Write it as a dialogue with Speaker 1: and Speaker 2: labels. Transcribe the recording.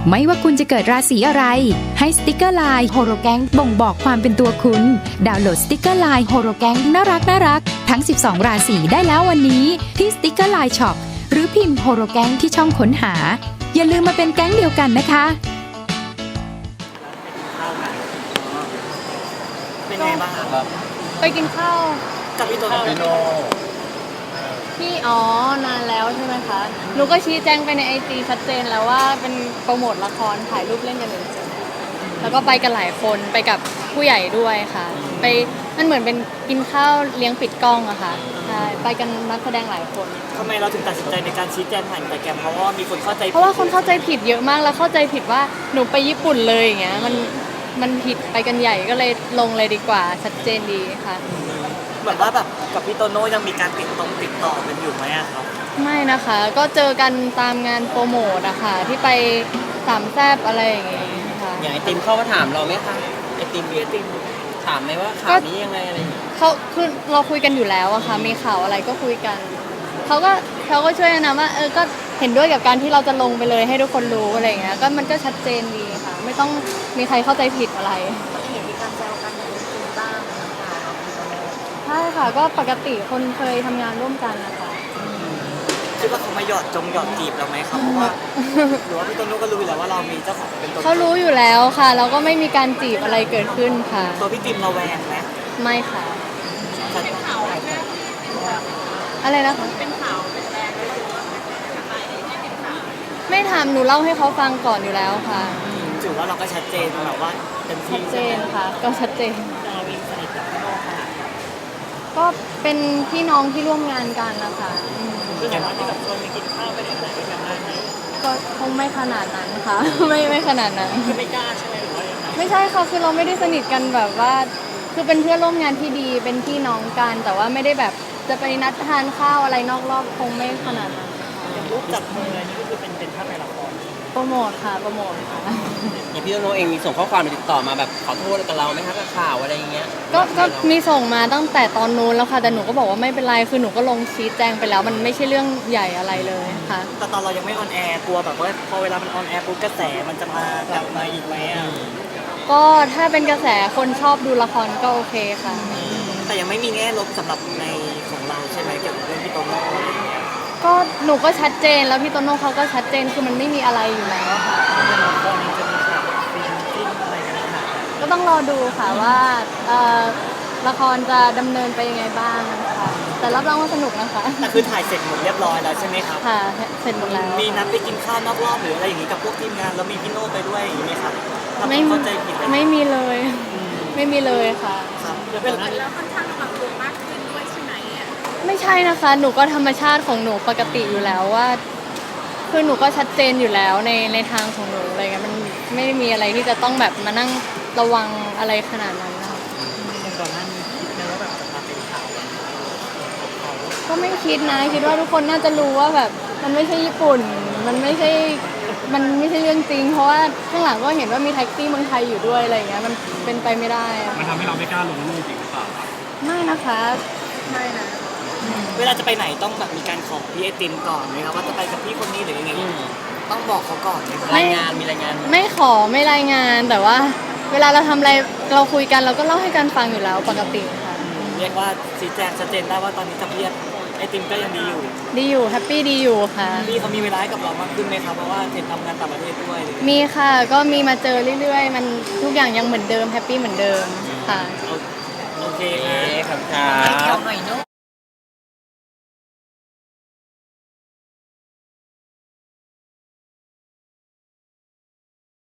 Speaker 1: ไม่ว่าคุณจะเกิดราศีอะไรให้สติกเกอร์ไลน์โฮโรแกงบ่งบอกความเป็นตัวคุณดาวน์โหลดสติกเกอร์ไลน์โฮโรแกงน่ารักทั้ง12ราศีได้แล้ววันนี้ที่สติกเกอร์ไลน์ช็อปหรือพิมพ์โฮโรแกงที่ช่องค้นหาอย่าลืมมาเป็นแก๊งเดียวกันนะคะ
Speaker 2: เป็นไงบ้างครับ
Speaker 3: ไปกินข้าว
Speaker 2: กับพี่โตโน่
Speaker 3: ที่นานแล้วใช่ไหมคะหนูก็ชี้แจงไปในIGชัดเจนแล้วว่าเป็นโปรโมทละครถ่ายรูปเล่นกันเลยแล้วก็ไปกันหลายคนไปกับผู้ใหญ่ด้วยค่ะไปมันเหมือนเป็นกินข้าวเลี้ยงปิดกล้องอะค่ะใช่ไปกันนักแสดงหลายคน
Speaker 2: ทำไมเราถึงตัดสินใจในการชี้แจงผ่านแต่แกรมเพราะว่ามีคนเข้าใจ
Speaker 3: เพราะว่าคนเข้าใจผิดเยอะมากแล้วเข้าใจผิดว่าหนูไปญี่ปุ่นเลยอย่างเงี้ยมันผิดไปกันใหญ่ก็เลยลงเลยดีกว่าชัดเจนดีค่ะ
Speaker 2: เหมือนว่าแบบกับพี่โตโน่ยังมีการติดต่อกันอยู่ไหมอะครับ
Speaker 3: ไม่นะคะก็เจอกันตามงานโปรโมทอะค่ะที่ไปสามแซบอะไรอย่างเงี้ยค่ะ
Speaker 4: อย่างไอติมเข้ามาถามเราไหมคะไอติมถามไหมว่าข่าวนี้ยังไงอะไรอย่างเงี้ย
Speaker 3: เขาคือเราคุยกันอยู่แล้วอะค่ะมีข่าวอะไรก็คุยกันเขาก็ช่วยนะว่าก็เห็นด้วยกับการที่เราจะลงไปเลยให้ทุกคนรู้อะไรอย่างเงี้ยก็มันก็ชัดเจนดีค่ะไม่ต้องมีใครเข้าใจผิดอะไรเห็นมีการแซวกันในจริงบ้างใช่ค่ะก็ปกติคนเคยทำงานร่วมกันนะคะ
Speaker 2: คิดว่าเขามาหยอดจีบเราไหมครับเพราะว่าหรือว่าพี่โตโน่ก็รู้อยู่แล้วว่าเรามีเจ้าของเป็นตัว
Speaker 3: เขารู้อยู่แล้วค่ะแล้วก็ไม่มีการจีบอะไรเกิดขึ้นค่ะ
Speaker 2: ตัวพี่ติมเราแวงไหม
Speaker 3: ไม่ค่ะ
Speaker 2: เป็นข่าว
Speaker 3: อะไรนะคะเป็นข่าวเป็นแรงไม่ทำหนูเล่าให้เขาฟังก่อนอยู่แล้วค่ะ
Speaker 2: ถือว่าเราก็ชัดเจนแบบว่าเป็นที่
Speaker 3: ชัดเจนค่ะก็ชัดเจน
Speaker 2: เราวิ่งสนิทกับพี่โน่ค่ะ
Speaker 3: ก็เป็นพี่น้องที่ร่วมงานกันนะคะ
Speaker 2: คืออย่างว่าที่แบบชวนไปกินข้าวไปไหนด้วยกันได้ไหม
Speaker 3: ก็คงไม่ขนาดนั้นค่ะ ไม่ขนาดนั้น
Speaker 2: คือไม่กล้าใช่ไหมหรือว่ายังไง
Speaker 3: ไม่ใช่ค่ะคือเราไม่ได้สนิทกันแบบว่าคือเป็นเพื่อนร่วมงานที่ดีเป็นพี่น้องกันแต่ว่าไม่ได้แบบจะไปนัดทานข้าวอะไรนอกรอบคงไม่ขนาดนั้น
Speaker 2: อย่างรูปจับมืออะไรนี่ก็คือเป็นภาพในละคร
Speaker 3: โปรโมทค่ะโปรโมทค่ะ
Speaker 4: อย่างพี่โตโน่เองมีส่งข้อความมาติดต่อมาแบบขอโทษกับเราไหมคะกับข่าวอะไรอย่างเงี้ย
Speaker 3: ก็มีส่งมาตั้งแต่ตอนนู้นแล้วค่ะแต่หนูก็บอกว่าไม่เป็นไรคือหนูก็ลงชี้แจงไปแล้วมันไม่ใช่เรื่องใหญ่อะไรเลยค่ะ
Speaker 2: แต่ตอนเรายังไม่ออนแอร์กลัวแบบว่าพอเวลามันออนแอร์ปุ๊บกระแสมันจะมากลับมาอีกไหมอ่ะ
Speaker 3: ก็ถ้าเป็นกระแสคนชอบดูละครก็โอเคค่ะ
Speaker 2: แต่ยังไม่มีแง่ลบสำหรับในของเราใช่ไหมเกี่ยวกับเรื่องพี่โตโน่อะไรอย่างเงี้ย
Speaker 3: ก็หนูก็ชัดเจนแล้วพี่โตโน่เขาก็ชัดเจนคือมันไม่มีอะไรอยู่แล้วค่ะ
Speaker 2: ตอนนี้จะมีข่าวฟินอะไรกันขนาด
Speaker 3: ก็ต้องรอดูค่ะว่าละครจะดำเนินไปยังไงบ้างค่ะแต่รับรองว่าสนุกนะคะ
Speaker 2: แต่คือถ่ายเสร็จหมดเรียบร้อยแล้วใช่ไหมครับ
Speaker 3: ค่ะเสร็จหมดแล้ว
Speaker 2: มีนัดไปกินข้าวนอกรอบหรืออะไรอย่างงี้กับพวกทีมงานแล้วมีพี่โน่ไปด้วยอย่างนี้ไหมครับไม่เข้าใจผิด
Speaker 3: ไม่มีเลยไม่มีเลยค่ะ
Speaker 2: ครับ
Speaker 5: แล้วค่อนข้างระวังตัวมากขึ้นด้วยใช่ไหมอ่ะ
Speaker 3: ไม่ใช่นะคะหนูก็ธรรมชาติของหนูปกติอยู่แล้วว่าคือหนูก็ชัดเจนอยู่แล้วในทางของหนูอะไรเงี้ยมันไม่มีอะไรที่จะต้องแบบมานั่งระวังอะไรขนาดนั้นนะคะ
Speaker 2: ก่อนหน้านี้คิดไหมว่าแบบจะมาเป็นข่าว
Speaker 3: ก็ไม่คิดนะคิดว่าทุกคนน่าจะรู้ว่าแบบมันไม่ใช่ญี่ปุ่นมันไม่ใช่เรื่องจริงเพราะว่าข้างหลังก็เห็นว่ามีแท็กซี่เมืองไทยอยู่ด้วยอะไรอย่างเงี้ยมันเป็นไปไม่ได้
Speaker 2: มันทำให้เราไม่กล้าลงรูปจริงหรือเปล่า
Speaker 3: ไม่นะคะไม่นะ
Speaker 2: เวลาจะไปไหนต้องแบบมีการขอพี่ไอติมก่อนไหมครับว่าจะไปกับพี่คนนี้หรือยังไงต้องบอกเขาก่อนไหม
Speaker 4: รายงานมีรายงาน
Speaker 3: ไม่ขอไม่รายงานแต่ว่าเวลาเราทำอะไรเราคุยกันเราก็เล่าให้กันฟังอยู่แล้วปกติค่ะ
Speaker 2: เรียกว่าชี้แจงชัดเจนได้ว่าตอนนี้กับพี่ไอติมก็ยังดี
Speaker 3: อยู่แฮปปี้ดีอยู่ค่ะ
Speaker 2: พี่เขามีเวลาให้กับเรามากขึ้นไหมครับเพราะว่าเห็นทำงานต่างประเทศด้วย
Speaker 3: มีค่ะก็มีมาเจอเรื่อยๆมันทุกอย่างยังเหมือนเดิมแฮปปี้เหมือนเดิมค่ะ
Speaker 2: โอเค
Speaker 4: ครับ